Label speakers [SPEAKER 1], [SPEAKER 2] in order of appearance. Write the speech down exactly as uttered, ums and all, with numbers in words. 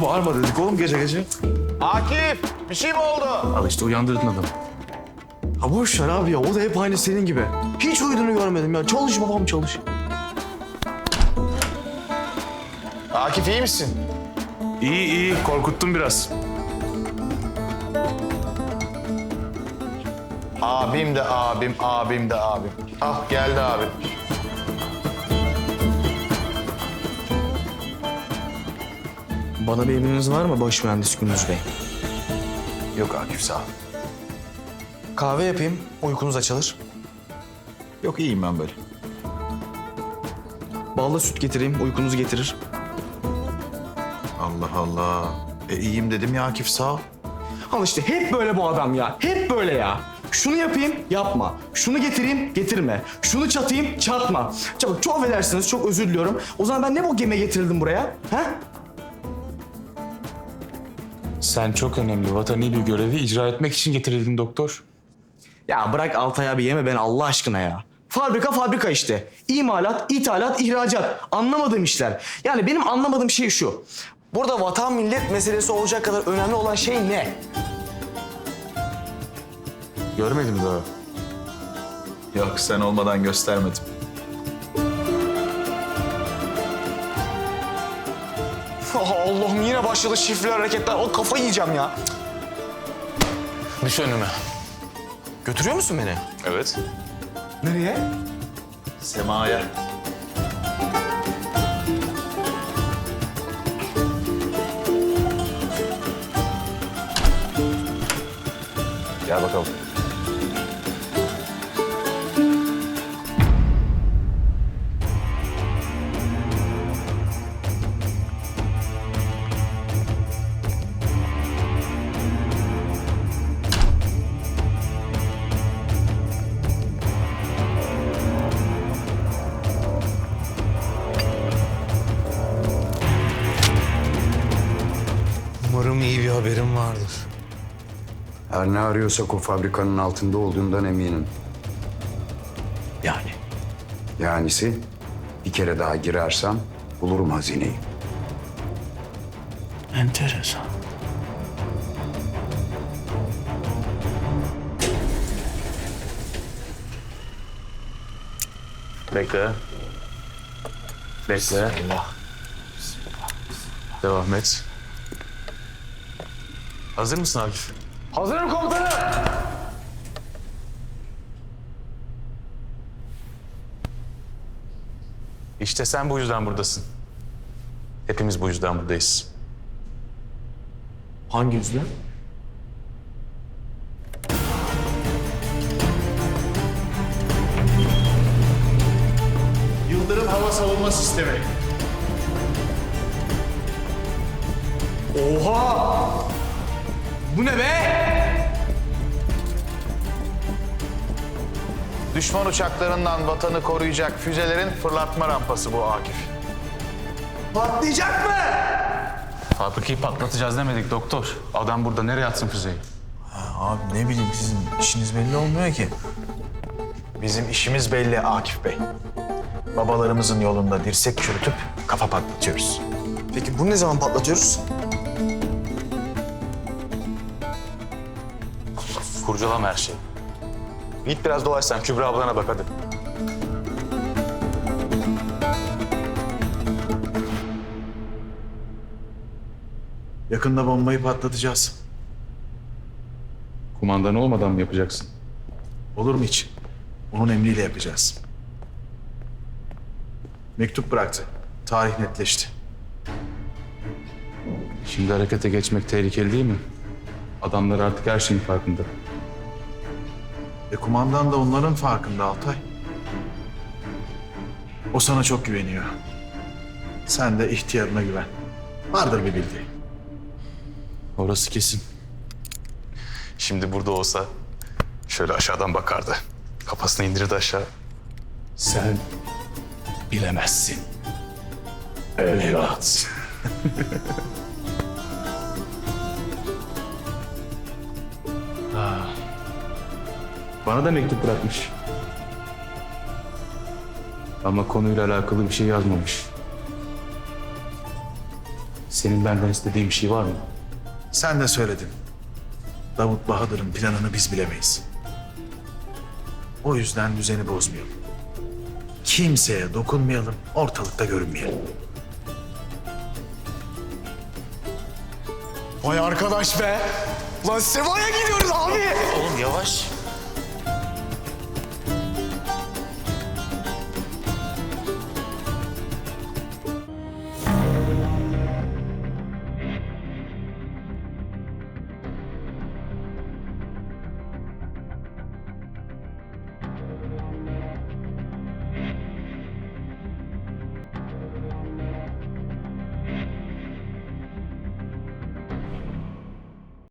[SPEAKER 1] Bağırma dedik oğlum gece gece.
[SPEAKER 2] Akif, bir şey mi oldu?
[SPEAKER 1] Al işte uyandırdın adamı.
[SPEAKER 3] Ha boş ver abi ya. O da hep aynı senin gibi. Hiç uyuduğunu görmedim ya. Çalış babam çalış.
[SPEAKER 2] Akif iyi misin?
[SPEAKER 1] İyi iyi korkuttun biraz.
[SPEAKER 2] Abim de abim, abim de abim. Ah geldi abim.
[SPEAKER 3] Bana bir emriniz var mı baş mühendis Gündüz Bey?
[SPEAKER 2] Yok Akif sağ ol.
[SPEAKER 3] Kahve yapayım. Uykunuz açılır.
[SPEAKER 2] Yok iyiyim ben böyle.
[SPEAKER 3] Ballı süt getireyim. Uykunuzu getirir.
[SPEAKER 2] Allah Allah. E iyiyim dedim ya Akif sağ ol.
[SPEAKER 3] Al işte hep böyle bu adam ya. Hep böyle ya. Şunu yapayım, yapma. Şunu getireyim, getirme. Şunu çatayım, çatma. Çabuk, çok affedersiniz, çok özür diliyorum. O zaman ben ne bu gemiye getirildim buraya? Ha?
[SPEAKER 1] Sen çok önemli vatani bir görevi icra etmek için getirildin doktor.
[SPEAKER 3] Ya bırak Altay abi yeme beni Allah aşkına ya. Fabrika fabrika işte. İmalat, ithalat, ihracat. Anlamadığım işler. Yani benim anlamadığım şey şu. Burada vatan millet meselesi olacak kadar önemli olan şey ne?
[SPEAKER 1] Görmedim daha.
[SPEAKER 2] Yok sen olmadan göstermedim.
[SPEAKER 3] Oh, Allah'ım yine başladı şifreli hareketler. O kafayı yiyeceğim ya.
[SPEAKER 1] Düş önüme.
[SPEAKER 3] Götürüyor musun beni?
[SPEAKER 1] Evet.
[SPEAKER 3] Nereye?
[SPEAKER 2] Sema'ya. Gel bakalım.
[SPEAKER 4] Umarım iyi bir haberim vardır.
[SPEAKER 5] Her ne arıyorsak o fabrikanın altında olduğundan eminim.
[SPEAKER 3] Yani.
[SPEAKER 5] Yanisi bir kere daha girersem bulurum hazineyi.
[SPEAKER 3] Enteresan.
[SPEAKER 1] Bekle. Bekle.
[SPEAKER 2] Allah.
[SPEAKER 1] Devam et. Hazır mısın Akif?
[SPEAKER 2] Hazırım komutanım.
[SPEAKER 1] İşte sen bu yüzden buradasın. Hepimiz bu yüzden buradayız.
[SPEAKER 3] Hangi yüzden?
[SPEAKER 2] Yıldırım hava savunma sistemi.
[SPEAKER 3] Oha! Bu ne be?
[SPEAKER 2] Düşman uçaklarından vatanı koruyacak füzelerin fırlatma rampası bu Akif.
[SPEAKER 3] Patlayacak mı?
[SPEAKER 1] Fabrikayı patlatacağız demedik doktor. Adam burada nereye atsın füzeyi?
[SPEAKER 4] Abi ne bileyim sizin işiniz belli olmuyor ki.
[SPEAKER 2] Bizim işimiz belli Akif Bey. Babalarımızın yolunda dirsek çürütüp kafa patlatıyoruz.
[SPEAKER 3] Peki bunu ne zaman patlatıyoruz?
[SPEAKER 1] Kurcalama her şeyi. Git biraz dolaş sen Kübra ablana bak hadi.
[SPEAKER 4] Yakında bombayı patlatacağız.
[SPEAKER 1] Kumandan olmadan mı yapacaksın?
[SPEAKER 4] Olur mu hiç? Onun emriyle yapacağız. Mektup bıraktı. Tarih netleşti.
[SPEAKER 1] Şimdi harekete geçmek tehlikeli değil mi? Adamlar artık her şeyin farkında.
[SPEAKER 4] Ve kumandan da onların farkında Altay. O sana çok güveniyor. Sen de ihtiyarına güven. Vardır bir bildiği.
[SPEAKER 1] Orası kesin. Şimdi burada olsa şöyle aşağıdan bakardı. Kafasını indirirdi aşağı. Sen bilemezsin. Evlat. Bana da mektup bırakmış. Ama konuyla alakalı bir şey yazmamış. Senin benden istediğin bir şey var mı?
[SPEAKER 4] Sen de söyledin. Davut Bahadır'ın planını biz bilemeyiz. O yüzden düzeni bozmayalım. Kimseye dokunmayalım, ortalıkta görünmeyelim.
[SPEAKER 3] Vay arkadaş be. Lan Seva'ya gidiyoruz abi.
[SPEAKER 1] Oğlum yavaş.